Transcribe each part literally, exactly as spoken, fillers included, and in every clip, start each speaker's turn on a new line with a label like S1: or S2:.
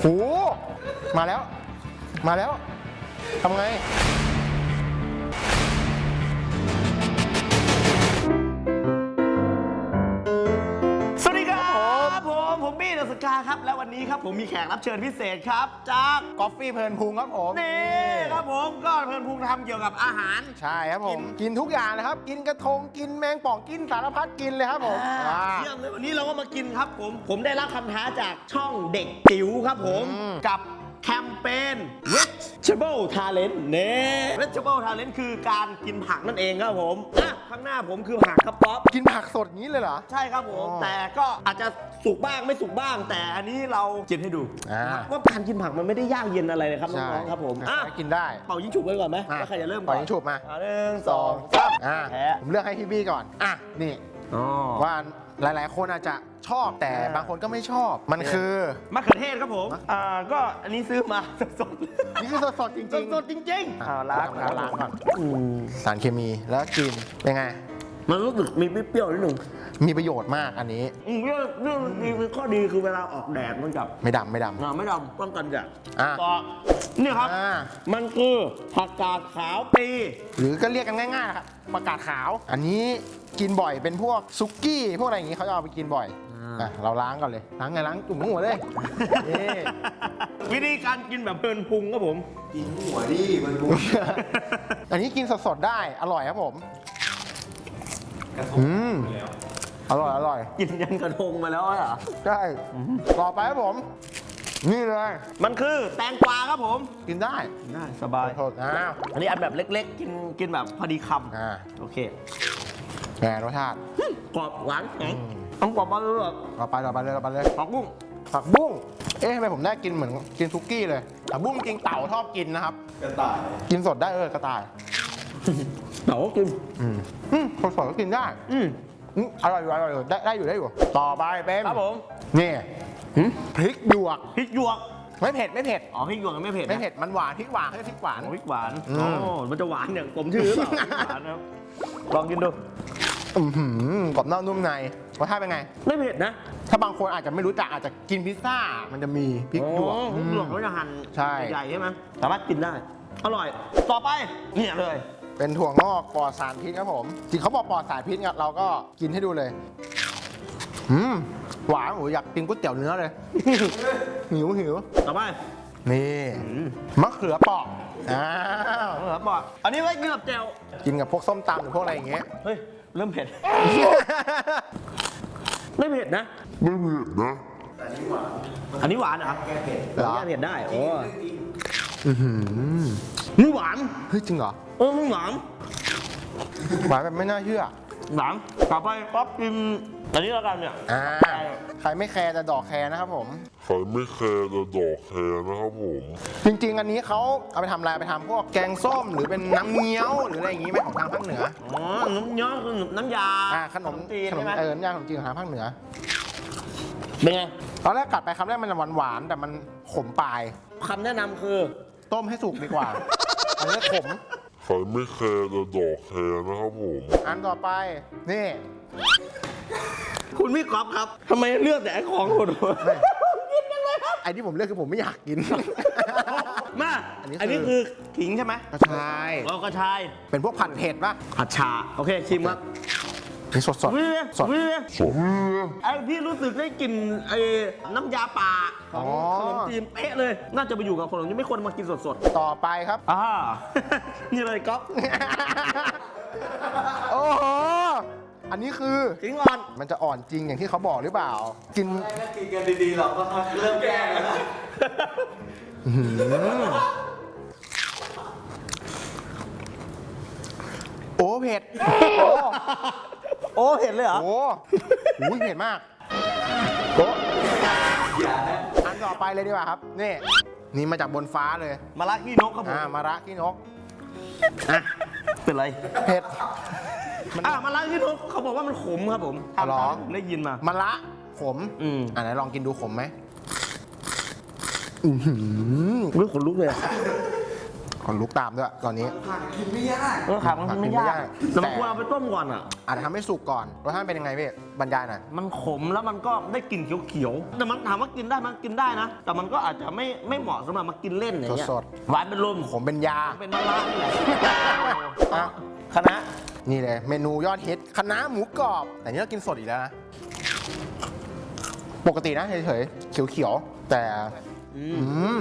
S1: โหมาแล้วมาแล้วทำไง
S2: สวัสดีครับผมผมบี้เดอะสกาครับและวันนี้ครับผมมีแขกรับเชิญพิเศษครับจาก
S1: กอฟฟี่เพลินพุงครับผม
S2: นี่ครับผมก็เพลินพุงทำเกี่ยวกับอาหาร
S1: ใช่ครับผมกินทุกอย่างนะครับกินกระทงกินแมงป่องกินสารพัดกินเลยครับผม
S2: อ่าเยี่ยมเลยวันนี้เราก็มากินครับผมผมได้รับคำท้าจากช่องเด็กจิ๋วครับผมกับแคมเปญ Vegetable Talent เนี่ย Vegetable Talent คือการกินผักนั่นเองครับผมอ่ะข้างหน้าผมคือผักครับป๊อป
S1: กินผักสดงี้เลยเหรอ
S2: ใช่ครับผม
S1: อ๋อ
S2: แต่ก็อาจจะสุกบ้างไม่สุกบ้าง แต่อันนี้เรากินให้ดู
S1: อ่า
S2: ว่าการกินผักมันไม่ได้ยากเย็นอะไรเลยครับน้องๆครับผมอ่ะ
S1: กินได้
S2: เป่ายิงฉุบไว้ก่อนไหม
S1: อ่ะ
S2: ว่าใครจะเริ่มก่
S1: ปล่
S2: อ
S1: อน ยยิงฉุบมา
S2: อ่ะหนึ่งสองสาม
S1: อ่า
S2: แพ้
S1: ผมเลือกให้พี่บี้ก่อนอ่ะนี่
S2: อ๋อ
S1: ว่าหลายๆ คนอาจจะชอบแต่
S2: อ่า
S1: บางคนก็ไม่ชอบมันคือ
S2: มะเขือเทศครับผมอ่าก็อันนี้ซื้อมาสดๆ
S1: นี่คือสดๆจริง
S2: สดๆจริงๆอ่าล้าง
S1: ล้างล้างก่อน
S2: อืม
S1: สารเคมีแล้วกินเป็นไง
S2: มันรู้สึกมีเปรี้ยวๆนิดหนึ่ง
S1: มีประโยชน์มากอันนี้
S2: อืมเรื่องเรื่องมีข้อดีคือเวลาออกแดดมันกับ
S1: ไม่ดำไม่ด
S2: อ่าไม่ดำป้องกันแดด
S1: อ่ะ
S2: ต่อเนี่ยครับ
S1: อ่า
S2: มันคือผักกาดขาวปี
S1: ำหรือก็เรียกกันง่ายๆนะครับประกาศขาว อันนี้กินบ่อยเป็นพวกซุกี้พวกอะไรอย่างนี้เขาจะเอาไปกินบ่อยอ่ะเราล้างก่อนเลยล้างไงล้างจุ่มหัวเลยนี่
S2: วิธีการกินแบบเพลินพุงครับผม
S3: กินหัวดิมันบุ
S1: อันนี้กินสดๆได้อร่อยครับผม
S3: กระท
S1: อืม
S3: งแล้ว
S1: อร่อยอร่อย
S2: กินยันกระทงมาแล้วเหรอ
S1: ใช่ต่อไปครับผม นี่เลย
S2: มันคือแตงกวาครับผม
S1: กินได้
S2: ได้สบาย
S1: โทษอ้าว
S2: อันนี้อันแบบเล็กๆ กินกินแบบพอดีค
S1: อ่า
S2: ำโอเค
S1: แหมรสชาติ
S2: กรอบหวานแข็งต้องกรอบมาเลย
S1: ต่อไปต่อไปเลยต่อไปเลย
S2: ผักบุ้ง
S1: ผักบุ้งเอ๊ะทำไมผมได้กินเหมือนกินซุกี้เลยผักบุ้งจริงเต่าชอบกินนะครับ
S3: กระต่าย
S1: กินสดได้เออกระต่าย
S2: เต๋ากิน
S1: อืมอืมสดๆก็กินได้
S2: อืม
S1: อืมอร่อยอยู่อร่อยอยู่ได้ได้อยู่ได้อยู่ ต่อไปเป็น
S2: ครับผม
S1: นี่พริกหยวก
S2: พริกหยวก
S1: ไม่เผ็ดไม่เผ็ด
S2: อ๋อพริกหยวกยังไม่เผ็ดนะ
S1: ไม่เผ็ดมันหวานพริกหวานให้พริกหวาน
S2: อ๋อพริกหวาน
S1: อืม
S2: อ๋อมันจะหวานอย่างผมชื่อหรือเปล่าหวานนะครับลองกินดู
S1: อือหือกรอบนอกนุ่มในรสชาติเป็นไง
S2: ไม่เผ็ดนะ
S1: ถ้าบางคนอาจจะไม่รู้จักอาจจะกินพิซซ่า มันจะมีพริกหยวก
S2: อ๋อพริกหยวก
S1: อื
S2: เขา
S1: ม
S2: จะหั่น
S1: ใช่
S2: ใหญ่ๆใช่ไหมสามารถกินได้ อร่อย ต่อไปเนี่ยเลย
S1: เป็นถั่วงอกปลอดสารพิษครับผม จริงเขาบอกปลอดสารพิษไงเราก็กินให้ดูเลย อืมหวานโอ้ยอยากกินก๋วยเตี๋ยวเนื้อเลย หิวหิว
S2: ต่อไป
S1: นี่มะเขือเปราะอ้าว
S2: เหรอบอกอันนี้ไว้กินกับแจ่ว
S1: กินกับพวกส้มตำหรือพวกอะไรอย่างเงี้ย
S2: เฮ้ย เริ่มเผ็ด ไม่เผ็ดนะ
S3: แต่นี่หวาน
S2: อันนี้หวานเหรอ
S3: แก้เผ็ด
S1: เหรอ
S2: แก้เผ็ดได้โอ้
S3: จริง
S1: อื้อหือ
S2: นี่หวาน
S1: เฮ้ยจริงเหรอ
S2: เออนี่หวาน
S1: หวานแบบไม่น่าเชื่อ
S2: หวานต่อไปป๊อปกินอันนี้แล้วกันเนี่ย
S1: อ่าใครไม่แคร์แต่ดอกแคร์นะครับผม
S4: ใครไม่แคร์จะดอกแคร์นะครับผม
S1: จริง ๆ อันนี้เขาเอาไปทำอะไรไปทำพวกแกงส้มหรือเป็นน้ำเงี้ยวหรืออะไรอย่างงี้ไหมของทางภาคเหนือ
S2: อ๋อ น้ำย้อนคือน้ำยา
S1: อ่าขนม
S2: จีน
S1: ขน
S2: ใช่
S1: ม
S2: ไหม
S1: เออน้ำยาขนมจีนของทางภาคเหนือ
S2: เป็นไง
S1: ตอนแรกกัดไปคำแรกมันจะหวานๆแต่มันขมปลาย
S2: คำแนะนำคือ
S1: ต้มให้สุกดีกว่า อันนี้ขม
S4: ใครไม่แคร์จะดอกแคร์นะครับผม
S1: อันต่อไปนี่
S2: คุณพี่ก๊อฟครับทำไมเลือกแต่ไอ้ของโหดๆกินกันเลยครับ
S1: ไอ้ที่ผมเลือกคือผมไม่อยากกิน
S2: มา
S1: อันนี้คืออั
S2: อันนี้คือขิงใช่ไหม
S1: กระชาย
S2: เรากระชาย
S1: เป็นพวกผัดเผ็ดปะ
S2: ผัดชา โอเค ชิมครับ
S1: นี่สดสด
S2: วิว
S1: สด
S2: วิวไอ้ที่รู้สึกได้กลิ่นไอ้น้ำยาป่าของขนมจีนเป๊ะเลย น่าจะไปอยู่กับขนมที่ไม่ควรมากินสด
S1: ต่อไปครับ
S2: ๆอ่า นี่เลยก๊อฟ
S1: โอ้โห อันนี้คือ
S2: ขิงอ่อน
S1: มันจะอ่อนจริงอย่างที่เขาบอกหรือเปล่า กิน
S3: ๆถ้ากินกันดีๆเราก็เริ่มแก้แล้วนะ
S1: โอ้เผ็ด
S2: โอ้เห็นเลยเหรอ
S1: โอ้โหเผ็ดมากโอ้
S3: อย่านะ
S1: อันต่อไปเลยดีกว่าครับ นี่ นี่มาจากบนฟ้าเลย
S2: มาละขี้นกครับผม
S1: อ่ามาระขี้นก
S2: อ่ะเป็นไร
S1: เผ็ด
S2: อ่ะมาละขี้นกเขาบอกว่ามันขมครับผม
S1: อ๋อเหรอ
S2: ตามที่ผมได้ยินมา
S1: มะระขม
S2: อืม
S1: อ่าไหนลองกินดูขมไหมอือหือ
S2: เรื่องขนลุกเลยอะ
S1: คนลุกตามด้วยตอนนี้
S3: ผักกินไม่ยาก
S2: เออขามันกินไม่ยากแต่มันควรเอาไปต้มก่อนอ่ะ
S1: อาจจะทำให้สุกก่อนรสชาติเป็นยังไงพี่บรรยายหน่อย
S2: มันขมแล้วมันก็ได้กลิ่นเขียวๆ แต่มันถามว่ากินได้มันกินได้นะ แต่มันก็อาจจะไม่ไม่เหมาะสำหรับมากินเล่นอย่างเงี้ย
S1: สด
S2: หวานเป็นลม
S1: ผมเป็นยา
S2: เป็นมะระนี่แหละ
S1: อ่ะ
S2: คณะ
S1: นี่เลยเมนูยอดฮิตคะน้าหมูกรอบ แต่นี่เรากินสดอีกแล้วนะ ปกตินะเฉยๆเขียวๆ แต่อืม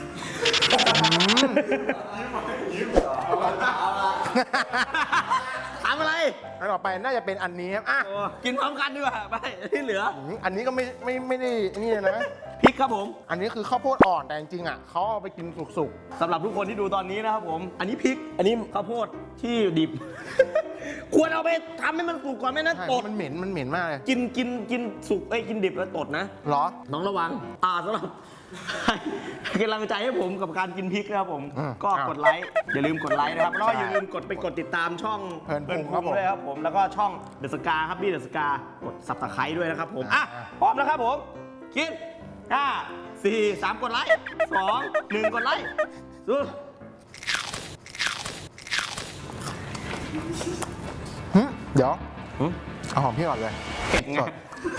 S2: ถามอะไร
S1: อันต่อไปน่าจะเป็นอันนี้ครับอ่ะ
S2: กินพร้อมกันดีกว่าไปที่เหลือ
S1: อืมอันนี้ก็ไม่ไม่ไม่ได้นี่เลยนะ
S2: พริกครับผม
S1: อันนี้คือข้าวโพดอ่อนแต่จริงๆอ่ะเขาเอาไปกินสุก
S2: สำหรับทุกคนที่ดูตอนนี้นะครับผม อันนี้พริก อันนี้ข้าวโพดที่ดิบ ควรเอาไปทำให้มันสุกก่อนไม่นั้น
S1: ๆใช่
S2: ตด
S1: มันเหม็นมันเหม็นมากเลย
S2: กินกินกินสุกไอ้ยกินดิบแล้วตดนะ
S1: เหรอ
S2: น้องระวัง อ่าสำหรับ ให้กำลังใจให้ผมกับการกินพริกนะครับผม
S1: อืม
S2: ก็
S1: อ้าว
S2: กดไลค์ อย่าลืมกดไลค์นะครับ แล้วก็
S1: ใช่
S2: อย่าลืมกดไปกดติดตามช่อง
S1: เพลินพุงครับผม
S2: ด้วยครับผม แล้วก็ช่องเดอะสกาครับพี่เดอะสกากดสับตะไคร้ด้วยนะครับผม อ่ะ
S1: อ่า
S2: พร้อมแล้วครับผม กินห้าสี่สามกดไลค์สองหนึ่งกดไลค์สู้
S1: หึเดี๋ยว
S2: หึ
S1: เอาหอมพี่ก่อนเลย
S2: เผ็ดไง
S1: สด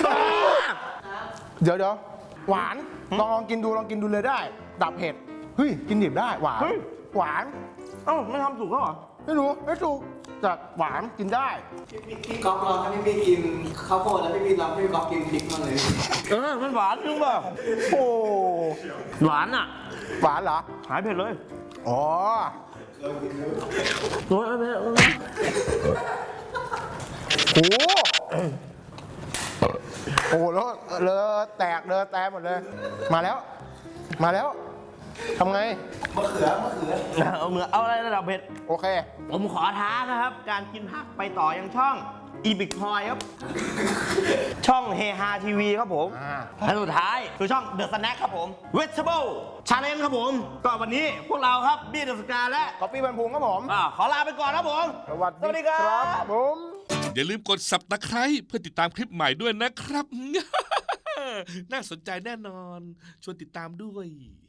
S1: เดี๋ยวเดี๋ยวหวานลองลองกินดูลองกินดูเลยได้ ดับเผ็ดเฮ้ยกินดิบได้หวาน
S2: เฮ้ย
S1: หวาน
S2: เอ้าไม่ทำสุกแล้วเหรอ
S1: ไม่รู้ไม่ถูกแต่หวานกินได้
S3: พี่พี่ก๊อฟลองให้พี่พี่กินข้าวโพดแล้วพี่พี่ลองให้พี่ก๊อฟกินพริกมางเลย
S2: เออ มันหวานจริงป่ะ
S1: โอ้
S2: หวานอ่ะ
S1: หวานเหรอ
S2: หายเผ็ดเลย
S1: อ๋อ
S2: โอ้ยเผ็ด
S1: โอ้โอ้แล้วเลอะแตกเลอะแตกหมดเลย มาแล้ว มาแล้วทำไง
S3: มะเขือมะเขือ
S2: เอาเนื้อเอาอะไรระดับเผ็ด
S1: โอเค
S2: ผมขอท้านะครับ การกินผักไปต่อยังช่องอีบิ c ทอยครับ ช่องเฮฮาทีวีครับผม
S1: อ่า
S2: และสุดท้ายคือช่องเดอะสแน็คครับผม Vegetable Challenge ครับผม ก็วันนี้พวกเราครับบี้เดอะสกาและ
S1: กาแฟบรรพุงครับผม
S2: อ่าขอลาไปก่อนครับผม
S1: สวัส
S2: สวัสดีครับ
S1: ผม
S5: อย่าลืมกด สับตะไคร้เพื่อติดตามคลิปใหม่ด้วยนะครับ น่าสนใจแน่นอน ชวนติดตามด้วย